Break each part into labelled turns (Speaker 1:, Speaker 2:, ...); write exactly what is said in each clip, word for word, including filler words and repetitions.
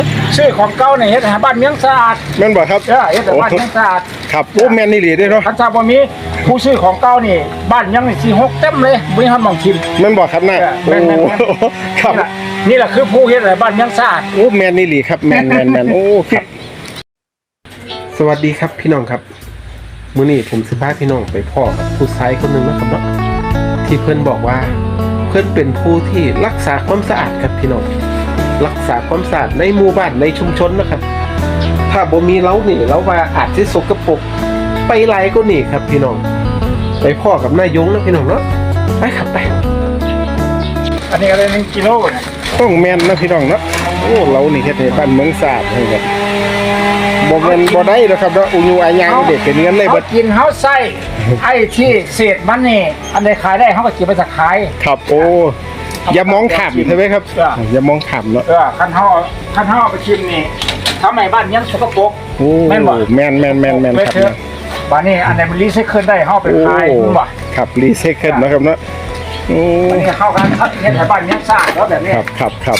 Speaker 1: ซื้อของเก่าเนี่ยเฮ็ดให้บ้านเมืองสะอาด
Speaker 2: แม่นบ่ครับ
Speaker 1: เออเฮ็ดให้บ้านเมืองสะอาด
Speaker 2: ครับโอ้แม่นนี่หลีเด้เนาะ
Speaker 1: คันถ้าบ่มีผู้ซื้อของเก่านี่บ้านยังนี่สิหกเต็มเลยบ่มีฮอดหม่องทิ่ม
Speaker 2: แม่นบ่ครับน่ะโอ้ครับ
Speaker 1: นี่แหละคือผู้เฮ็ดให้บ้านเมืองสะอาด
Speaker 2: โอ้แม่นนี่หลีครับแม่นแม่นแม่นโอ้ครับสวัสดีครับพี่น้องครับมื้อนี้ผมสิพาพี่น้องไปพ่อกับผู้ชายคนนึงนะครับเนาะที่เพิ่นบอกว่าเพิ่นเป็นผู้ที่รักษาความสะอาดครับพี่น้องรักษาความสะอาดในหมู่บ้านในชุมชนนะครับถ้าบ่มีเรานี่เราว่าอาจสิสกปรกไปหลายกว่านี่ครับพี่น้องไปพ่อกับนายยงนะพี่น้องเนาะไปครับไป
Speaker 1: อันนี้อะไรหนึ่งกิโลเนี่ย
Speaker 2: ต้องแม่นนะพี่น้องเนาะโอ้เรานี่เฮ็ดให้บ้านเมืองสะอาดให้ครับบ่แม่นบ่ได้ดอกครับเนาะอุยูอายังเด็กเป็นเงินเลยเบิด
Speaker 1: กินเฮาใส่ไอ้ที่เศษมันนี่อันใดขายได้เฮาก็เก็บไปสักขาย
Speaker 2: ครับโอ้อย่ามองข้ามใช่ไหมครับอย่ามองข้ามเนาะ
Speaker 1: เออคันเฮาคันเฮาไปชิมนี่ทำให้บ้านยังสกปรก
Speaker 2: แม่นบ่แม่นแม่นแม่นแม่นครับ
Speaker 1: บ้านนี้อันไหนมันรีไซเคิลได้เฮาไปขายบ่
Speaker 2: ครับรีไซเคิลนะครับเนาะโอ้
Speaker 1: อันนี้เข้ากันครับเฮ็ดให้บ้านยังสะอาดแล้วแบบนี้
Speaker 2: ครับครับครับ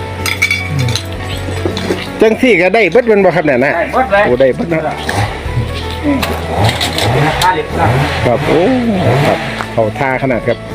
Speaker 2: จังซี่ก็ได้เบิดมันบ่ครับเนี่ยนะ
Speaker 1: ได้เบิดเลย
Speaker 2: โอ้ได้เบิดนะ
Speaker 1: ครับ
Speaker 2: โอ้ครับเขาท่าขนาดครับ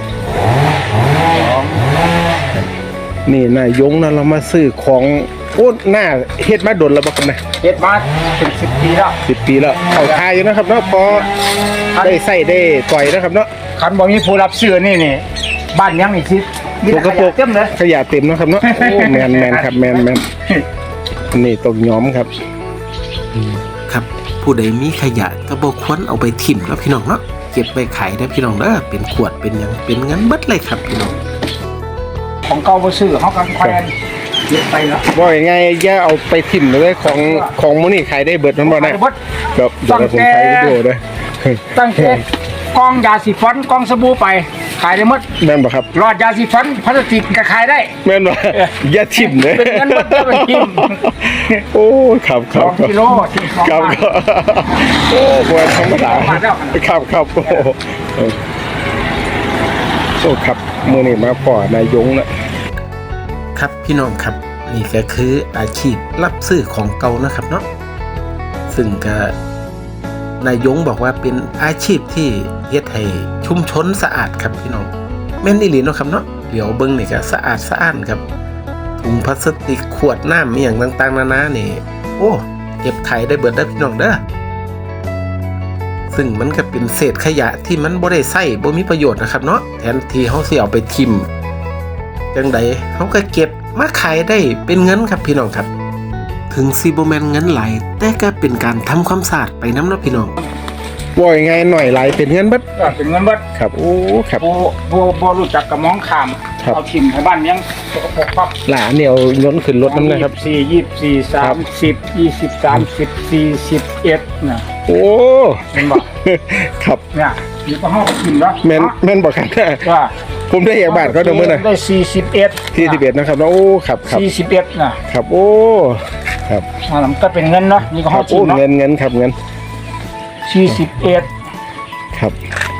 Speaker 2: นี่นายยงนะเรามาซื้อของโอ้หน้าเฮ็ดมาดนแล้วบ่ครับนะ
Speaker 1: เฮ็ดมาเป็นสิบปีแล้ว
Speaker 2: สิบปีแล้วเขาท่าอยู่นะครับเนาะพอได้ใส่ได้ต่อยนะครับเนาะ
Speaker 1: คันบ่มีผู้รับซื้อนี่นี่บ้านยังนี่สิมีขยะเต็มเลย
Speaker 2: ขยะเต็มนะครับเนาะโอ้แมนแมนครับแมนแมนนี่ตกย้อมครับ
Speaker 3: ครับผู้ใดมีขยะก็บ่ควรเอาไปถิ่มแล้วพี่น้องเนาะเก็บไปขายได้พี่น้องเด้อเป็นขวดเป็นหยังเป็นเงินเบิดเลยครับพี่น้อง
Speaker 1: ของเก่าบ่ซื้อเฮาก็แขวนเก็บไปแล้ว
Speaker 2: ว่ายังไงอย่าเอาไปถิ่มเลยของของมื้อนี้ขายได้เบิดมันบ่ได้ครับเดี๋ยวผมถ่ายวิดีโอด้วย
Speaker 1: ตั้งแต่กองยาสีฟันกองสบู่ไปขายได้หมด
Speaker 2: แม่นบ่ครับ
Speaker 1: หลอดยาสีฟันพลาสติกก็ขายได้
Speaker 2: แม่นบ่อย่าถิ่มเลย
Speaker 1: เป็นเงินหมดแล้วเป็นถิ่ม
Speaker 2: โอ้ครับครับ
Speaker 1: สองกิโล
Speaker 2: ครับโอ้บ่ธรรมดาครับครับโอ้โอ้ครับมื้อนี้มาพ่อนายยง
Speaker 3: นะครับพี่น้องครับนี่ก็คืออาชีพรับซื้อของเก่านะครับเนาะซึ่งก็นายยงบอกว่าเป็นอาชีพที่เฮ็ดให้ชุมชนสะอาดครับพี่น้องแม่นอีหลีเนาะครับเนาะเดี๋ยวเบิ่งนี่ก็สะอาดสะอ้านครับถุงพลาสติกขวดน้ำมีอย่างต่างๆนานานี่โอ้เก็บขายได้เบิดได้พี่น้องเด้อซึ่งมันก็เป็นเศษขยะที่มันบ่ได้ใช้บ่มีประโยชน์นะครับเนาะแทนที่เฮาสิเอาไปทิ้งจังใดเฮาก็เก็บมาขายได้เป็นเงินครับพี่น้องครับถึงสิบ่แม่นเงินหลายแต่ก็เป็นการทำความสะอาดไปนำเนาะพี่น้อง
Speaker 2: ว่ายังไงหน่อยหลายเป็นเงินเบิด
Speaker 1: เป็นเงินเบิด
Speaker 2: ครับโอ้ครับ
Speaker 1: บ่บ่บ่รู้จักกับมองข้ามเอาถิ่มให้บ้านยังสกปรกครับ
Speaker 2: หลานเนี่ยเอาล้นขึ้นรถนำนะครับ
Speaker 1: สี่ ยี่สิบสี่ สามสิบ ยี่สิบ สามสิบ สี่สิบเอ็ดน่ะ
Speaker 2: โอ้
Speaker 1: เห็นบ่
Speaker 2: ครับ
Speaker 1: เนี่ยอยู่ก็เฮาถิ่มเนาะ
Speaker 2: แม่นแม่นบ่ครับว่าผมได้อย่างบาทเขาเด้อมื้อน่ะ
Speaker 1: ได้สี่สิบเอ็ด
Speaker 2: สี่สิบเอ็ดนะครับโอ้ครับครับ
Speaker 1: สี่สิบเอ็ดน่ะ
Speaker 2: ครับโอ้ครับ
Speaker 1: อ่ามันก็เป็นเงินเนาะนี่ก็เฮาถิ่มเนาะ
Speaker 2: เงินเงินครับเงิน
Speaker 1: สี่สิบเอ็ด
Speaker 2: ครับ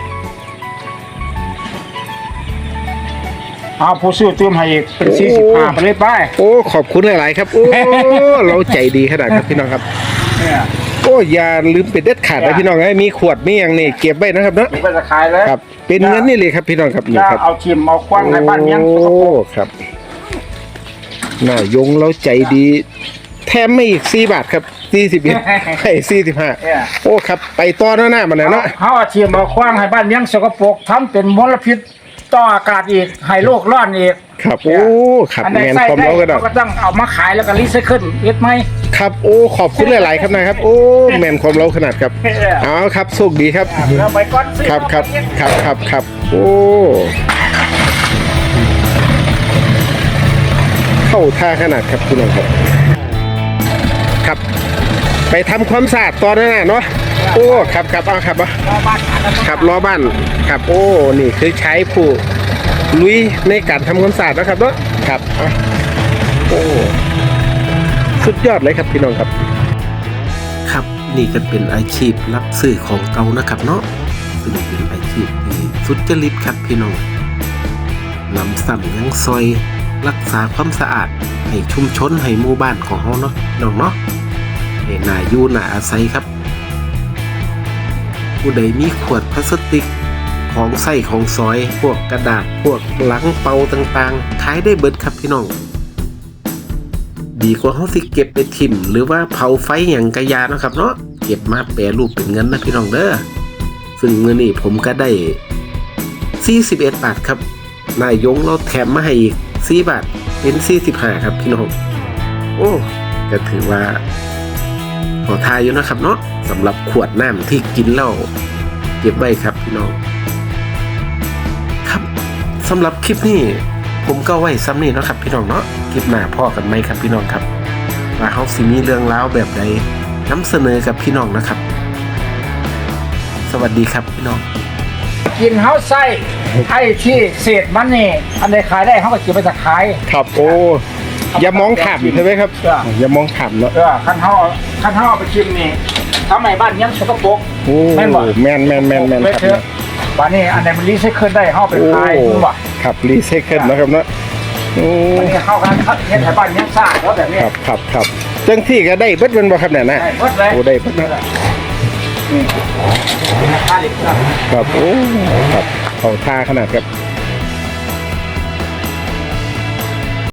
Speaker 1: เอาผู้ซื้อเติมให้อีกเป็นสี่สิบห้าไปเลยไป
Speaker 2: โอ้ขอบคุณหลายๆครับโอ้เราใจดีขนาดครับพี่น้องครับ
Speaker 1: เนี่ย
Speaker 2: โอ้อย่าลืมเป็นเด็ดขาดนะพี่น้องให้มีขวดมีอย่างนี่เก็บไว้นะครับเนาะ
Speaker 1: เก็บไว้จะขายเลย
Speaker 2: ครับเป็นเงินนี่เลยครับพี่น้องครับ
Speaker 1: นี่ครับเอาทิมเอาคว้างให้บ้านยังโอ้
Speaker 2: ครับน่ายงเราใจดีแถมไม่อีกสี่บาทครับสี่สิบเอ็ดให้สี่สิบห้าโอ้ครับไปต่อหน้าหน้ามันเลยเนาะ
Speaker 1: เขาเอาทิมเอาคว้างให้บ้านยังสกปรกทำเป็นมลพิษต่ออากาศอีกให้โลกร้อนอีก
Speaker 2: ครับโอ้ครับแมนความเรา
Speaker 1: ก็ต้องเอามาขายแล้วก็รีไซเคิลเฮ็ดไหม
Speaker 2: ครับโอ้ขอบคุณหลายๆครับนะครับโอ้แมนความเราขนาดครับเอาครับโชคดีครับ
Speaker 1: เราไปก่อน
Speaker 2: ครับครับครับครับครับโอ้เข้าท่าขนาดครับคุณน้องครับครับไปทำความสะอาดตอนนั้นน่ะเนาะโอ้ครับครับเอาครับอ่ะครับล้อบ้านครับโอ้นี่คือใช้ผู้ลุยในการทำความสะอาดนะครับเนาะครับโอ้สุดยอดเลยครับพี่น้องครับ
Speaker 3: ครับนี่ก็เป็นอาชีพรับซื้อของเก่านะครับเนาะซึ่งเป็นอาชีพที่สุจริตครับพี่น้องนำซ้ำยังซอยรักษาความสะอาดให้ชุมชนให้หมู่บ้านของเฮาเนาะน้องเนาะให้น่าอยู่น่าอาศัยครับผู้ใดมีขวดพลาสติกของใส้ของซอยพวกกระดาษพวกหลังเปาต่างๆขายได้เบิดครับพี่น้องดีกว่าเฮาสิเก็บไปทิ่มหรือว่าเผาไฟหยังกะยาเนาะครับเนาะเก็บมาแปรรูปเป็นเงินนะพี่น้องเด้อซึ่งมื้อนี้ผมก็ได้สี่สิบเอ็ดบาทครับนายยงเราแถมมาให้อีกสี่บาทเป็นสี่สิบห้าครับพี่น้องโอ้ก็ถือว่าพอทายอยู่นะครับเนาะสำหรับขวดน้ำที่กินแล้วเก็บไว้ครับพี่น้องครับสำหรับคลิปนี้ผมก็ไว้ซ้ำนี่เนาะครับพี่น้องเนาะคลิปหน้าพ่อกันไหมครับพี่น้องครับว่าเขาสิมีเรื่องราวแบบใดนำเสนอกับพี่น้องนะครับ สวัสดีครับพี่น้อง
Speaker 1: กินเฮาไส้ไอ้ที่เศษมันนี่อันใดขายได้เขาก็เก็บไปจะขาย
Speaker 2: ครับโอ้อย่ามองขำใช่ไหมครับ
Speaker 1: เออ
Speaker 2: อย่ามองขำเนาะ
Speaker 1: เออคันเฮาคันเฮาเอาไปชิมนี่ทำไมบ้านยังสกปรก
Speaker 2: โอ้
Speaker 1: แม่นบ่
Speaker 2: แม่นแม่นแม่นแม่น
Speaker 1: ไป
Speaker 2: ครับ
Speaker 1: เถอะบ้านนี้อันไหนมันรีไซเคิลได้เฮาไป
Speaker 2: โอ้
Speaker 1: ขายรู้บ่
Speaker 2: ครับรีไซเคิลนะครับเนาะโอ้
Speaker 1: อันนี้เข้ากันครับเฮ็ดให้บ้านยังสะอาดแล้วแบบนี้
Speaker 2: ครับครับครับจังที่ก็ได้เบิดเป็นบ่ครับเนี่ยนะ
Speaker 1: ได้หมดเลย
Speaker 2: โอ้ได้เบิดนะ
Speaker 1: นี่เป็นราคาเด็กครับ
Speaker 2: ครับโอ้ครับเขาท่าขนาดครับ